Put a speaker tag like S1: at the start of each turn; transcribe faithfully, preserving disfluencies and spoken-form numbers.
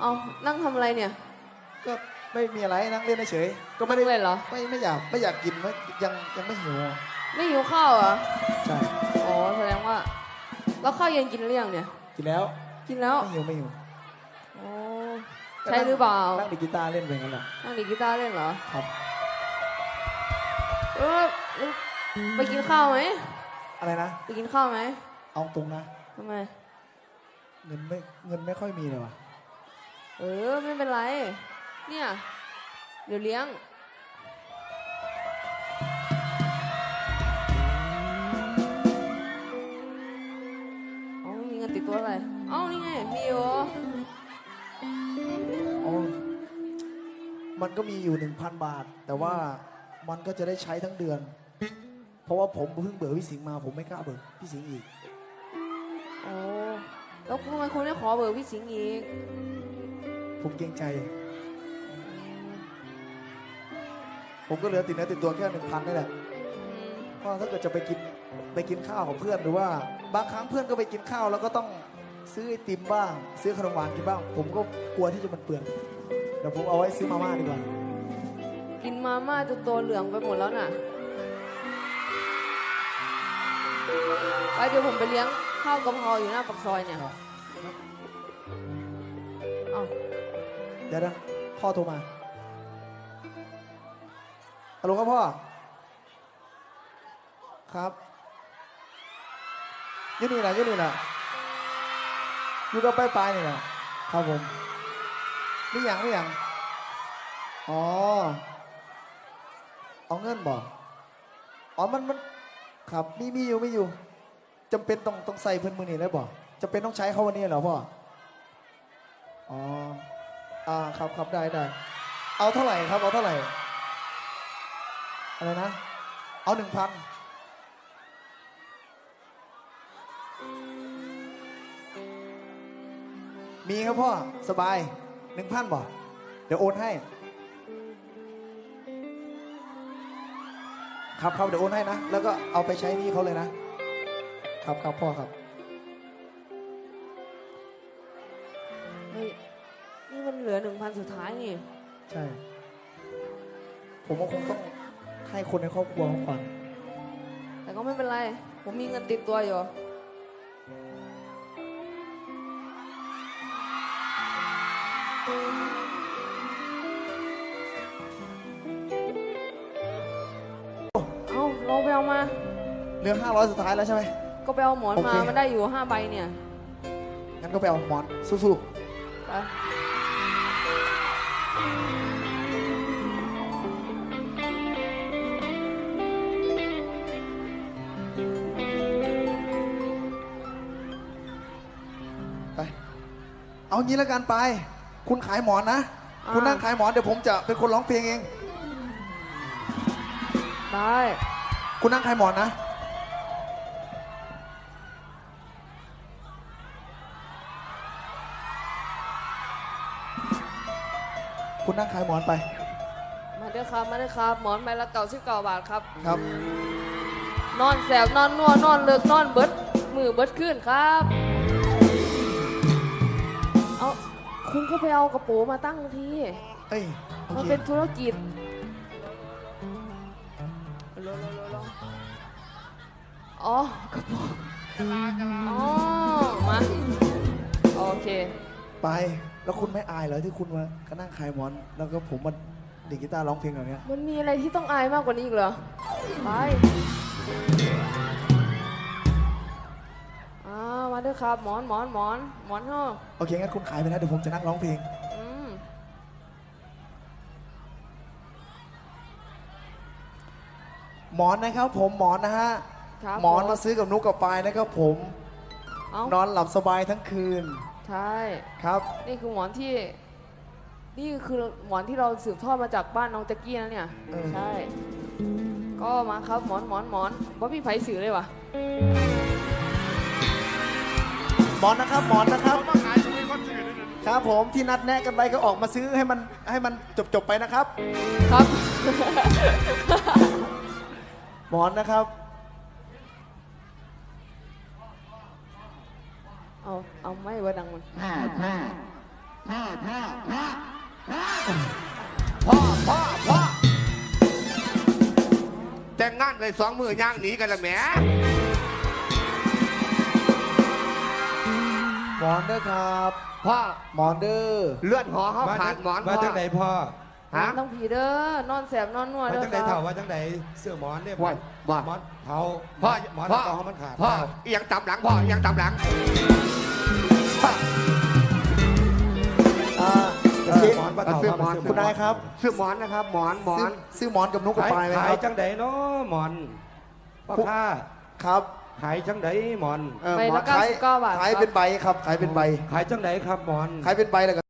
S1: เอานั่งทำอะไรเนี่ย
S2: ก็ไม่มีอะไรนั่งเล่นเฉยก็ไม่ได้
S1: เล่นเหรอ
S2: ไม่ไม่อยากไม่อยากกินไม่ยังยังไม่หิว
S1: ไม่หิวข้าวเหรอ
S2: ใช่
S1: อ๋อแสดงว่าแล้วข้าวเย็นกินหรือยังเนี่ย
S2: กินแล้ว
S1: กินแล้ว
S2: ไม่หิวไม่หิว
S1: อ๋อใช่หรือเปล่า
S2: นั่งดีกีตาร์เล่นไปงั้นแหละ
S1: นั่งดีกีตาร์เล่นเหรอ
S2: ครับ
S1: เออไปกินข้าวไหม
S2: อะไรนะ
S1: ไปกินข้าวไหม
S2: เอาตรงนะ
S1: ทำไม
S2: เงินไม่เงินไม่ค่อยมีเลยว่ะ
S1: เออไม่เป็นไรเนี่ยเดี๋ยวเลี้ยงอ๋อมีเงินติดตัวอะไรเอ้านี่ไงมีอยู่
S2: อ๋อมันก็มีอยู่หนึ่งพันบาทแต่ว่ามันก็จะได้ใช้ทั้งเดือนเพราะว่าผมเพิ่งเบื่อพี่สิงห์มาผมไม่กล้าเบื่อพี่สิงห์อีก
S1: โอ้แล้วทำไมคุณไม่ขอเบอร์พี่สิงห์อีก
S2: ผมเกรงใจผมก็เหลือติดเนื้อติดตัวแค่หนึ่งพันนี่แหละเพราะถ้าเกิดจะไปกินไปกินข้าวกับเพื่อนหรือว่าบางครั้งเพื่อนก็ไปกินข้าวแล้วก็ต้องซื้อไอติมบ้างซื้อขนมหวานกินบ้างผมก็กลัวที่จะมันเปลืองเดี๋ยวผมเอาไว้ซื้อมาม่าดีกว่า
S1: กินมาม่าจนตัวเหลืองไปหมดแล้วน่ะไปเดี๋ยวผมไปเลี้ยงข้าวกะเพราอยู่หน้าปากซอยเนี่ยเอา
S2: เดี๋ยวนะพ่อโทรมาฮัลโหลครับพ่อครับยืนนี่นะยืนนี่นะอยู่กับไปไปนี่นะครับผมนี่อย่างนี่อย่างอ๋อเอาเงินบ่อ๋อมันมันครับมีมีอยู่ไม่อยู่จำเป็นต้องต้องใส่เพิ่นมือนี่ได้บ่จำเป็นต้องใช้เขาวันนี้เหรอพ่ออ๋ออ่าครับครับได้ได้เอาเท่าไหร่ครับเอาเท่าไหร่อะไรนะเอาหนึ่งพันมีครับพ่อสบายหนึ่งพันบ่เดี๋ยวโอนให้ครับครับเดี๋ยวโอนให้นะแล้วก็เอาไปใช้หนี้เขาเลยนะครับครับพ่อครับ
S1: เฮ้ยนี่มันเหลือหนึ่งพันสุดท้ายนี่
S2: ใช่ผมก็คงต้องให้คนในครอบครัวเขาก่อน
S1: แต่ก็ไม่เป็นไรผมมีเงินติดตัวอยู่เอาเราไปเอามา
S2: เหลือห้าร้อยสุดท้ายแล้วใช่ไหม
S1: ก็ไปเอาหมอนมามันได้อยู่ห้าใบเนี่ย
S2: งั้นก็ไปเอาหมอนสู้ๆไปเอางี้แล้วกันไปคุณขายหมอนนะคุณนั่งขายหมอนเดี๋ยวผมจะเป็นคนร้องเพลงเอง
S1: ได้
S2: คุณนั่งขายหมอนนะคุณนั่งขายหมอนไป
S1: มาเด้อครับมาเด้อครับหมอนใบละเก้าสิบเก้าบาทครับ
S2: ครับ
S1: นอนแสบนอนนัวนอนเลิกนอนเบิดมือเบิดขึ้นครับเอาคุณก็ไปเอากระโปรงมาตั้งที
S2: เอ้ย
S1: มันเป็นธุรกิจอ๋อกระโปรงอ๋อมาโอเค
S2: ไปแล้วคุณไม่อายเหรอที่คุณมาก็นั่งขายหมอนแล้วก็ผมมาดีดกีตาร์ร้องเพลงแบบนี้
S1: มันมีอะไรที่ต้องอายมากกว่านี้อีกเหรอไปอ่ามาด้วยครับหมอนหมอนหมอนหมอนห้อง
S2: โอเคงั้นคุณขายไปนะเดี๋ยวผมจะนั่งร้องเพลงหมอนนะครับผมหมอนนะฮะหมอนมาซื้อกับนุกกับปายนะครับผมนอนหลับสบายทั้งคืน
S1: ใช่
S2: ครับ
S1: นี่คือหมอนที่นี่คือหมอนที่เราสืบทอดมาจากบ้านน้องแจ็กกี้นะเนี่ยใช่ก็มาครับหมอนหมอนหมอนว่าพี่ไผ่สื่อเลยวะ
S2: หมอนนะครับหมอนนะครับครับผมที่นัดแนะกันไปก็ออกมาซื้อให้มันให้มันจบจบไปนะครับ
S1: ครับ
S2: หมอนนะครับ
S1: เอาเอาไม่ว่าดังมัน
S3: พ่อพ่อพ่อแต่งงานเลยสองมือย่างหนีกันละแหม
S2: หมอนเด้อครับ
S3: พ่อ
S2: หมอนเด้อ
S3: เลื่อนหอเขาขาดหมอน
S4: มา
S3: พ่อ
S4: จังไหนพ่อ
S1: หมอ
S3: ฮะ
S1: นต้องผีเด้อนอนแสบนอนนัว
S4: มา
S1: เด้อ
S4: จังไหน
S1: ค
S4: เถ่า
S1: รับ
S4: ว่าจังไหนเสื้อหมอนเนี่ย
S3: ว่าว่า
S4: หมอนเผา
S3: พ่อ
S4: หมอน
S3: พ่อ
S4: เผามันขาด
S3: พ่อเอียงตำหลังพ่อเอียงตำหลังพ่อ
S2: อ่า
S4: เออหมอนปลาเผา
S3: เสื้อหมอน
S2: คุณนายครับ
S3: ซื้อหมอนนะครับ หมอนหมอ
S2: ซื้อน ซื้อหมอนกับนุกกับ
S4: ขาย
S2: ปลายไหม
S4: ขา
S2: ค
S4: ย
S2: รับ
S4: จังไหนเนาะหมอนพ่อค้า
S2: ครับ
S4: ขายจังไหนหมอน
S3: เออ
S1: ใบ
S3: หมอ
S1: ละ
S3: น
S1: เก้าสิบเก้าบาท
S2: ขาย
S1: ครับ
S2: เป็นใบครับ ขายเป็นใบ
S4: ขายจังไหนครับหมอน
S2: ขายเป็นใบเลย